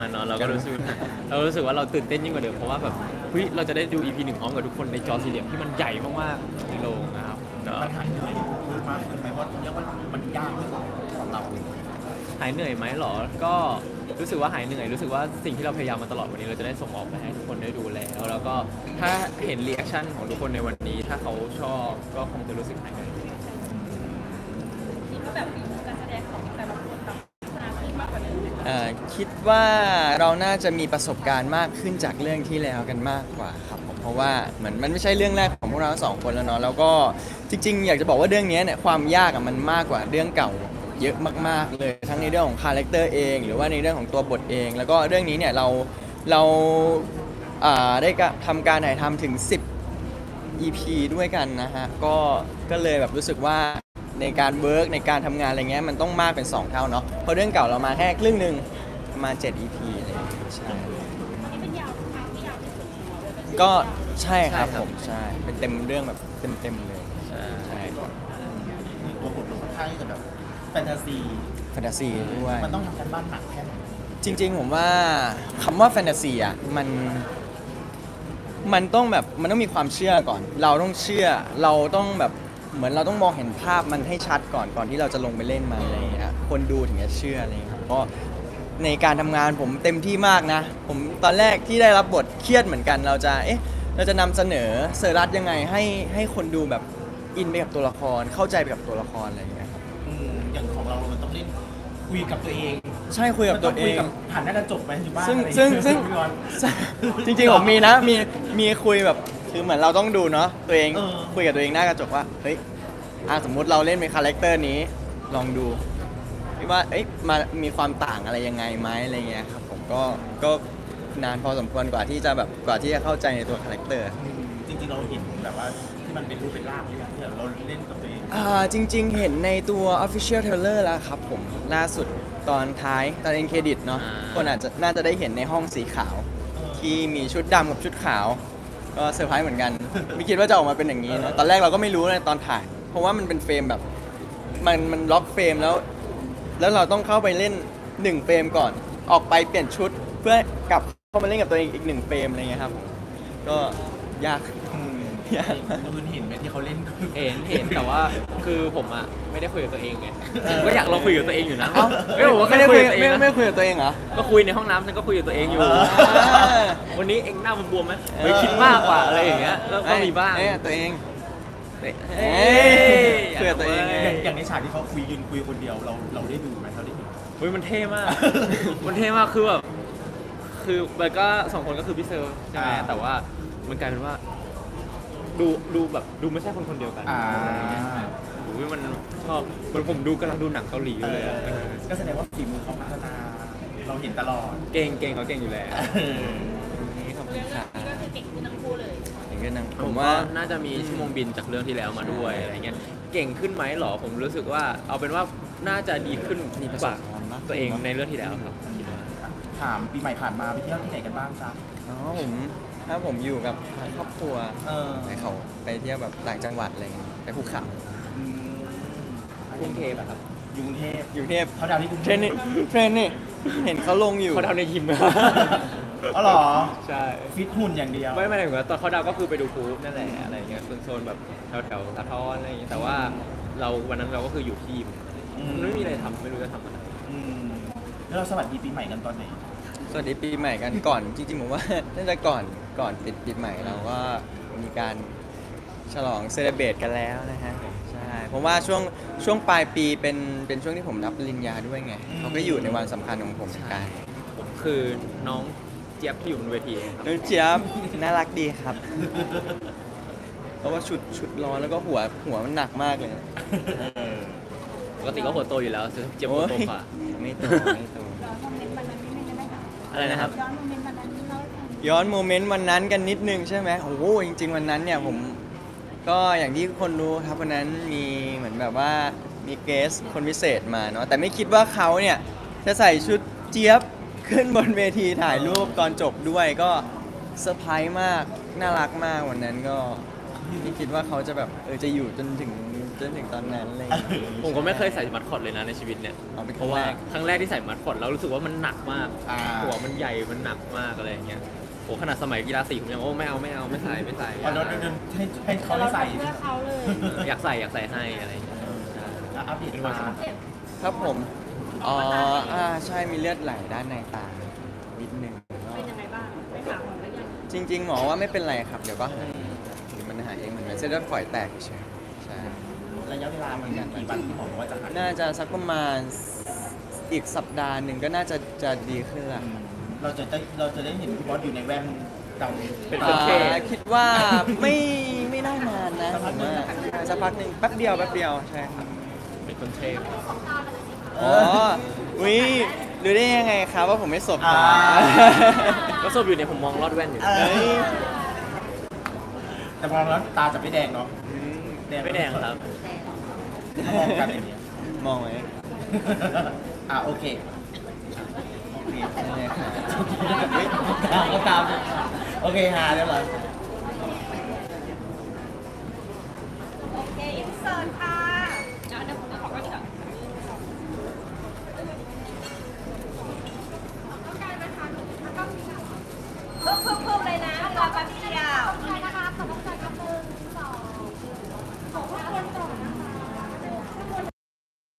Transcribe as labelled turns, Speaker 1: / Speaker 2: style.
Speaker 1: เนาะเรารู้สึกว่าเราตื่นเต้นยิ่งกว่าเดิมเพราะว่าแบบเฮ้ยเราจะได้ดู EP 1พร้อมกับทุกคนในจอสี่เหลี่ยมที่มันใหญ่มากๆในโรงนะครับก็
Speaker 2: มันหายเหนื่อยมากขึ้นไหมเพราะเรียกว่ามันยากที่สุดสำหรับเรา
Speaker 1: หายเหนื่อยไหมหรอก็รู้สึกว่าหายเหนื่อยรู้สึกว่าสิ่งที่เราพยายามมาตลอดวันนี้เราจะได้ส่งออกไปให้ทุกคนได้ดูแล้วก็ถ้าเห็นรีแอคชั่นของทุกคนในวันนี้ถ้าเขาชอบก็คงจะรู้สึกหายเหนื่อย
Speaker 3: คิดว่าแบบฝีมือการแสดงของแต่ละคนแบบพัฒนาขึ้นมากกว่าเดิมไหมคะ
Speaker 4: คิดว่าเราน่าจะมีประสบการณ์มากขึ้นจากเรื่องที่แล้วกันมากกว่าครับผมเพราะว่าเหมือนมันไม่ใช่เรื่องแรกของพวกเราทั้งสองคนแล้วเนาะแล้วก็จริงๆอยากจะบอกว่าเรื่องนี้เนี่ยความยากมันมากกว่าเรื่องเก่าเยอะมากๆเลยทั้งในเรื่องของคาแรคเตอร์เองหรือว่าในเรื่องของตัวบทเอง แล้วก็เรื่องนี้เนี่ยเราได้ทำการถ่ายทำถึง10 EP ด้วยกันนะฮะก็เลยแบบรู้สึกว่าในการเวิร์กในการทำงานอะไรเงี้ยมันต้องมากเป็น2 เท่าเนาะเพราะเรื่องเก่าเรามาแค่ครึ่งหนึ่งประมาณ7 EP อะไรอย่างเงี้ยใช่
Speaker 3: อันนี้เป็นยาวทางที่ยาวที่สุดของเราเลยเป็น
Speaker 4: ก็ใช่ครับ
Speaker 1: ใช่ครับ
Speaker 4: ผมใช่เป็นเต็มเรื่องแบบเต็มเลยใช่
Speaker 2: ตัวบทมันค่อนข้างที่จะแบบแฟนตาซี
Speaker 4: แฟนตาซีด้วย
Speaker 2: มันต้องทำการบ้านหนักแค่ไหน
Speaker 4: จริงๆผมว่าคำว่าแฟนตาซีอ่ะมันต้องแบบมันต้องมีความเชื่อก่อน เราต้องเชื่อเราต้องแบบเหมือนเราต้องมองเห็นภาพมันให้ชัดก่อนที่เราจะลงไปเล่นมันอะไรอย่างเงี้ยคนดูถึงจะเชื่ออะไรอย่างเงี้ยครับก็ในการทำงานผมเต็มที่มากนะ ผมตอนแรกที่ได้รับบทเครียดเหมือนกันเราจะนำเสนอเซอร์รัสยังไงให้คนดูแบบอินไปกับตัวละครเข้าใจไปกับตัวละครอะไรอย่างเงี้ยครับ
Speaker 2: อย่างของเรามันต้องเล่นคุยกับตัวเอง
Speaker 4: ใช่คุยกับตัวเอง
Speaker 2: มันต้คุยกับผ่านหน้ากระจกไปอยู่บ้าน
Speaker 4: ซึ่ง
Speaker 2: อะไร
Speaker 4: ซึ่ง
Speaker 2: พี่บอล
Speaker 4: จริงๆผมมีนะมีคุยแบบคือเหมือนเราต้องดูเนาะตัวเอง
Speaker 2: เออ
Speaker 4: คุยกับตัวเองหน้ากระจกว่าเฮ้ยสมมุติเราเล่นเป็นคาแรคเตอร์นี้ลองดูว่าเอ้ยมีความต่างอะไรยังไงไหมอะไรเงี้ยครับผมก็นานพอสมควรกว่าที่จะเข้าใจในตัวคาแรคเตอร์
Speaker 2: จริงๆเราเห็นแบบว่าที่มันเป็นรูปเป็นร่างที่เราเล่นกับตัวเอง
Speaker 4: จริงๆ เห็นในตัว Official Trailer แล้วครับผมล่าสุดตอนท้ายตอนเอ็นเครดิตเนาะคนน่าจะได้เห็นในห้องสีขาว ที่มีชุดดำกับชุดขาว ก็เซอร์ไพรส์เหมือนกัน ไม่คิดว่าจะออกมาเป็นอย่างนี้นะตอนแรกเราก็ไม่รู้เลยตอนถ่าย เพราะว่ามันเป็นเฟรมแบบมันล็อกเฟรมแล้วเราต้องเข้าไปเล่น1เฟรมก่อน ออกไปเปลี่ยนชุดเพื่อกลับเข้ามาเล่นกับตัวเองอีก1เฟรมอะไรเงี้ยครับก็ยาก ยากมาก
Speaker 2: คุณเห็นไหมที่เขาเล่น
Speaker 1: เห็นแต่ว่าคือผมอ่ะไม่ได้คุยกับตัวเองไงผมก็อยากลองคุยกับตัวเองอยู่นะ
Speaker 4: เอ้า
Speaker 1: ไม่ผมว่า
Speaker 4: ไม่
Speaker 1: ไม่
Speaker 4: ได้
Speaker 1: ได้
Speaker 4: คุ
Speaker 1: คุ
Speaker 4: ย
Speaker 1: ยกับตัวเอง
Speaker 4: ไม่
Speaker 1: นะ
Speaker 4: คุยกับตัวเองเหรอ
Speaker 1: ก็คุยในห้องน้ำฉันก็คุยกับตัวเองอยู่
Speaker 4: อ
Speaker 1: วันนี้เองหน้าบวมๆไหมเฮ้ยคิดมากกว่าอะไรอย่างเงี้ยก็มีบ้าง
Speaker 4: ตัวเอง
Speaker 1: เฮ้ย
Speaker 4: คุยกับตัวเองไง
Speaker 2: อย่างในฉากที่เขายืนคุยคนเดียวเราได้ดูไหมเราได้เห็น
Speaker 1: เฮ้ยมันเท่มาก มันเท่มากคือแบบคือมันก็สองคนก็คือพี่เซอร์ใช่ไหมแต่ว่ามันกลายเป็นว่า ดูแบบดูไม่ใช่คนคนเดียวกัน โอ้ยมันชอบมันผมดูกำลังดูหนังเกาหลีอยู่เลยอะ
Speaker 2: ก็แสดงว่าฝีมือเขาพัฒนาเราเห็นตลอด
Speaker 1: เก่งเขาเก่งอยู่แล้ว
Speaker 4: นี่ขอบคุ
Speaker 3: เรื่
Speaker 4: ณ
Speaker 3: อง
Speaker 4: ค่ะ
Speaker 3: นี้ก็คือเก่งขึ้นทั้งคู่เลย
Speaker 4: อย่างนั้นนะ
Speaker 1: ผ
Speaker 4: ผม ม
Speaker 1: ว่า
Speaker 4: ว่า
Speaker 1: น่าจะมีชั่วโมงบินจากเรื่องที่แล้วมาด้วยอะไรเงี้ยเก่งขึ้นไหมหรอผมรู้สึกว่าเอาเป็นว่าน่าจะดีขึ้นกว่าตัวเองในเรื่องที่แล้วครับคิดว่า
Speaker 2: ถามปีใหม่ผ่านมาไปเที่ยวที่ไหนกันบ้างจ๊ะ
Speaker 4: ถ้าผมอยู่กับครอบครัว
Speaker 2: เออ
Speaker 4: ไปเขาไปเที่ยวแบบต่างจังหวัดอะไรเงี้ยไปภูเขา
Speaker 2: อืม
Speaker 1: กรุงเทพอะครับ
Speaker 2: อยู่กรุงเทพ
Speaker 4: อยู่เทพ
Speaker 2: เขาดาวที่กรุง
Speaker 4: เท
Speaker 2: เท
Speaker 4: ร
Speaker 2: พ
Speaker 4: นนี่เห็นเขาลงอยู่
Speaker 1: เขาดาวในยิม
Speaker 2: อ๋อเหรอ
Speaker 1: ใช่
Speaker 2: ฟิตหุ่นอย่างเดียว
Speaker 1: ไม่ถึงว่าตอนเขาดาวก็คือไปดูพูฟนั่นแหละอะไรเงี้ยโซนแบบแถวสะท้อนอะไรอย่างเงี้ยแต่ว่าวันนั้นเราก็คืออยู่ที่ยิมมันไม่มีอะไรทำไม่รู้จะทำอะไร
Speaker 2: อืมแล้วเราสวัสดีปีใหม่กันตอนไหน
Speaker 4: สวัสดีปีใหม่กันก่อนจริงๆผมว่า น่าจะก่อนปิดปีใหม่เราก็มีการฉลองเซเลบรตกันแล้วนะฮะใช่ผมว่าช่วงปลายปีเป็นช่วงที่ผมรับปริญญาด้วยไงเขาก็อยู่ในวันสำคัญของผมเหมือนกัน
Speaker 1: ผมคือน้องเจี๊ยบที่อยู่บนเวทีเองครับ
Speaker 4: น้องเจี๊ยบน่ารักดีครับ เพราะว่าชุดร้อนแล้วก็หัวมันหนักมากเลย
Speaker 1: ปกติก็หัวโตอยู่แล้วเจี๊ยบหัวโตกว่า
Speaker 4: ไม่โตไม่โต
Speaker 3: ย้อนโมเมนต์วันนั้นนิดนึงได้ไหมคะ
Speaker 1: อะไรนะครับ
Speaker 3: ย้อนโมเมนต์วันนั้นเล่าให้ฟัง
Speaker 4: ย้อนโมเมนต์วันนั้นกันนิดนึงใช่ไหมโอ้โหจริง ๆ วันนั้นเนี่ยผมก็อย่างที่คนรู้ครับวันนั้นมีเหมือนแบบว่ามีเกสคนพิเศษมาเนาะแต่ไม่คิดว่าเขาเนี่ยจะใส่ชุดเจี๊ยบขึ้นบนเวทีถ่ายรูปตอนจบด้วยก็เซอร์ไพรส์มากน่ารักมากวันนั้นก็ไม่คิดว่าเขาจะแบบจะอยู่จนถึงจนถึงตอนนั้นเลย
Speaker 1: ผมก็ไม่เคยใส่มัดคอตเลยนะในชีวิตเนี่ย
Speaker 4: อ๋อเป็น
Speaker 1: เพ
Speaker 4: ครั้
Speaker 1: ราะ
Speaker 4: ง
Speaker 1: ว่า
Speaker 4: แรก
Speaker 1: ครั้งแรกที่ใส่มัดคอตแล้วรู้สึกว่ามันหนักมาก
Speaker 2: อ่า
Speaker 1: หัวมันใหญ่มันหนักมากอะไรอย่างเงี้ยโหขนาดสมัยกีฬาสีผมยังโอ้ไม่เอาไม่ใส่
Speaker 2: อ๋อเราเดินให้เขาได้ใส่
Speaker 3: เพื่อเขาเลย
Speaker 1: อยากใส่ให้อะไรอย่างเงี้ยใช่
Speaker 2: แล้วอัปเดตมา
Speaker 3: เจ็บ
Speaker 4: ครับผมอ๋อใช่มีเลือดไหลด้านในตานิดนึง
Speaker 3: เป็นยังไงบ้างไปหาหมอแล้วยัง
Speaker 4: จริง ๆ หมอว่าไม่เป็นไรครับ เดี๋ยวก็หายหรือมันหายเองเหมือนเส้นเลือดฝอยแตกเฉยใช่
Speaker 2: ระยะเวลามันกี่วันที่หมอบอกว่าจะหาย
Speaker 4: น่าจะสักประมาณอีกสัปดาห์หนึ่งก็น่าจะดีขึ้นละ
Speaker 2: เราจะได้เห็นพี่บอสอยู่ในแว่นดำ
Speaker 1: เป็นคนเท่
Speaker 4: คิดว่าไม่น่านานนะผมว่าสักพักหนึ่งแป๊บเดียวใช่ครับ
Speaker 1: เป็นคนเทพ
Speaker 4: อ๋อวิรู้ได้ยังไงครับว่าผมไม่สบตา
Speaker 1: ก็สบอยู่เนี่ยผมมองลอดแว่นอยู่
Speaker 2: เอ้ยแต่พอแล้วตาจะไม่แดงเนาะ
Speaker 1: ไม่แดงครับ
Speaker 2: มองกันอย่างเงี้ย
Speaker 4: มองไหม
Speaker 2: โอเคโอเค
Speaker 4: ใช่ครับ
Speaker 2: ตามโอเคฮาเรียบร้อย